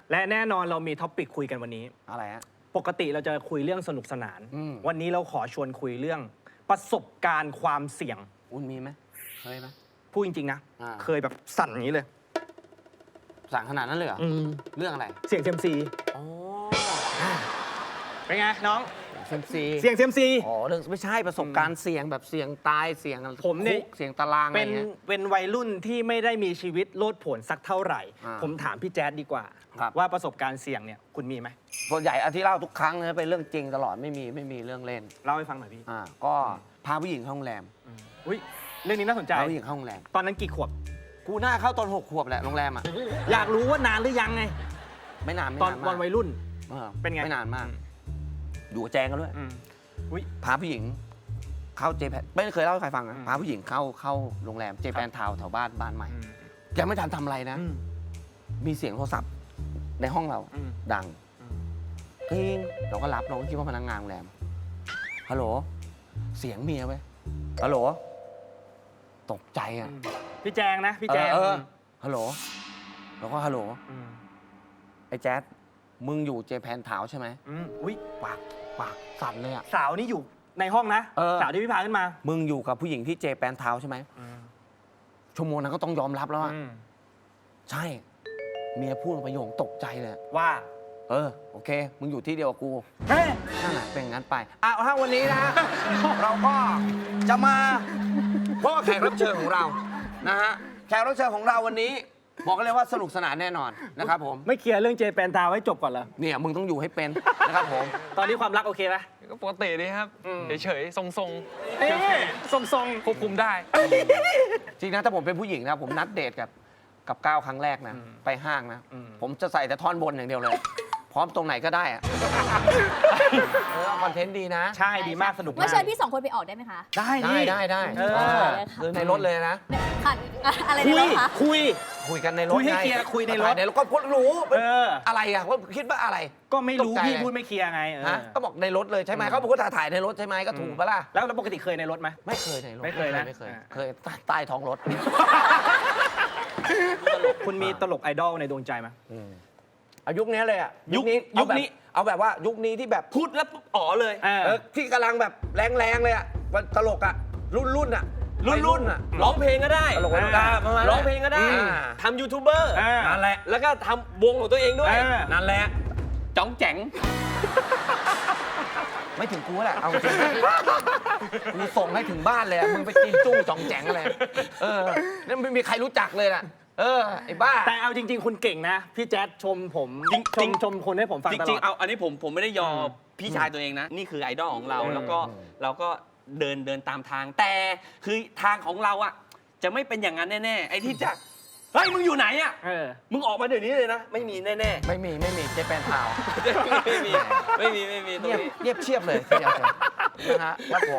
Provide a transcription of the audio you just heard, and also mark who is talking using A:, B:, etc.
A: และแน่นอนเรามีท็อปิกคุยกันวันนี้
B: อะไรฮะ
A: ปกติเราจะคุยเรื่องสนุกสนานวันนี้เราขอชวนคุยเรื่องประสบการณ์ความเสี่ยง
B: อุ่นมีไหมเคยไหม
A: พูดจริงๆนะเคยแบบสั่นอย่างนี้เลย
B: สั่งขนาดนั้นเลยเหรอเรื่องอะไร
A: เสี่ยงเซียมซี
B: อ๋อ
A: เป็นไงน้อง
B: เซียมซี
A: เสี่ยงเซียมซี
B: อ๋อเรื่องไม่ใช่ประสบการณ์เสี่ยงแบบเสี่ยงตายเสี่ยง
A: ผมเนี่ย
B: เสี่ยงตารางอะไรเงี้ย
A: เป็นวัยรุ่นที่ไม่ได้มีชีวิตโลดโผนสักเท่าไหร่ผมถามพี่แจ๊ดดีกว่าว่าประสบการณ์เสี่ยงเนี่ยคุณมีไหม
B: ส่วนใหญ่อาที่เล่าทุกครั้งนะเป็นเรื่องจริงตลอดไม่มีเรื่องเล่น
A: เล่าให้ฟังหน่อยพี่
B: ก็พาผู้หญิงเข้าโรงแรม
A: อุ้ยเรื่องนี้น่าสนใจ
B: พาผู้หญิงเข้าโรงแรม
A: ตอนนั้นกี่ขวบ
B: กูน่าเข้าตอน6 ขวบแหละโรงแรม
A: อยากรู้ว่านานหรือยังไง
B: ไม่นาน
A: ตอนวัยรุ่นเป็นไง
B: ไม่นานมากอยู่แจงกันด้วยพาผู้หญิงเข้าเจแปนไม่เคยเล่าให้ใครฟังนะพาผู้หญิงเข้าโรงแรมเจแปนทาวน์แถวบ้านใหม่ยังไม่ทันทำอะไรนะมีเสียงโทรศัพท์ในห้องเราดังกิ้งเราก็รับเราก็คิดว่าพนักงานโรงแรมฮัลโหลเสียงเมียไว้ฮัลโหลตกใจ
A: พี่แจงนะพี่แจง
B: ฮัลโหลแล้วก็ฮัลโหลไอ้แจ๊ดมึงอยู่เจแปนทาวน์ใช่ไหม
A: อุ้ย
B: ปากสั่นเลย
A: สาวนี่อยู่ในห้องนะสาวที่พี่พาขึ้นมา
B: มึงอยู่กับผู้หญิงที่เจแปนทาวน์ใช่ไหมชั่วโมงนั้นก็ต้องยอมรับแล้วใช่เมียพูดประโยคตกใจเลย
A: ว่า
B: โอเคมึงอยู่ที่เดียวกับกูนั่นแหละเป็นงั้นไปถ้าวันนี้นะ เราก็จะมาพบกับแขกรับเชิญของเรานะฮะแขกรับเชิญของเราวันนี้บอกกันเลยว่าสนุกสนานแน่นอนนะครับผม
A: ไม่เคลียร์เรื่องเจแปนทาวน์ให้จบก่อนเหรอ
B: เนี่ยมึงต้องอยู่ให้เป็นนะครับผม
A: ตอนนี้ความรักโอเคไหม
C: ก็ปกติดีครับเฉยๆทรง
A: ทรง
C: ควบคุมได้
B: จริงนะถ้าผมเป็นผู้หญิงนะผมนัดเดทกับก้าวครั้งแรกนะไปห้างนะผมจะใส่แต่ท่อนบนอย่างเดียวเลยพร้อมตรงไหนก็ได้คอนเทนต์ดีนะ
A: ใช่ดีมากสนุกมาก
D: เชิญพี่2 คนไปออกได้ไหมคะ
B: ได้ในรถเลยนะ
D: ค่ะอะไรในรถคะ
B: คุยกันในรถ
A: คุยให้เคลียร์คุยในรถ
B: แล้วก็พูดรู้อะไรว่าคิดว่าอะไร
A: ก็ไม่รู้พี่พูดไม่เคลียร์ไง
B: ก็บอกในรถเลยใช่ไหมเขาบอกว่าถ่ายในรถใช่ไหมก็ถูกปะล่ะ
A: แล้วปกติเคยในรถไหม
B: ไม่เคยในรถ
A: ไม่เคยนะ
B: เคยใต้ท้องรถ
A: คุณมีตลกไอดอลในดวงใจไหม
B: ยุคนี้เลยยุคนี้เอาแบบว่ายุคนี้ที่แบบพูดแล้วอ๋อเลยที่กำลังแบบแรงเลยตลกรุ่น
C: ร้องเพลงก็ได้
B: ตลก
C: ร้องเพลงก็ได้ทำยูทูบเบอร์
B: นั่นแหละ
C: แล้วก็ทำวงของตัวเองด้วย
B: นั่นแหละ
C: จ๋องแจ๋ง
B: ไม่ถึงกูแหละเอาจริงกูส่งให้ถึงบ้านเลยมึงไปกินจุ้งจ๋องแจ๋งอะไรนั่นไม่มีใครรู้จักเลยล่ะไอ้บ้า
A: แต่เอาจริงๆคุณเก่งนะพี่แจ๊ดชมผมชมคนให้ผมฟังตลอด
C: จริงๆเอาอันนี้ผมไม่ได้ยอพี่ชายตัวเองนะนี่คือไอดอลของเราแล้วก็เราก็เดินตามทางแต่คือทางของเราจะไม่เป็นอย่างนั้นแน่ๆไอ้ที่จะเฮ้ยมึงอยู่ไหนมึงออกมาเดี๋ยวนี้เลยนะไม่มีแน่
B: ๆไม่มีเจแปนทาวน์
C: ไม่มีตรงนี้
B: เงียบเชียบเลยนะฮะครับผม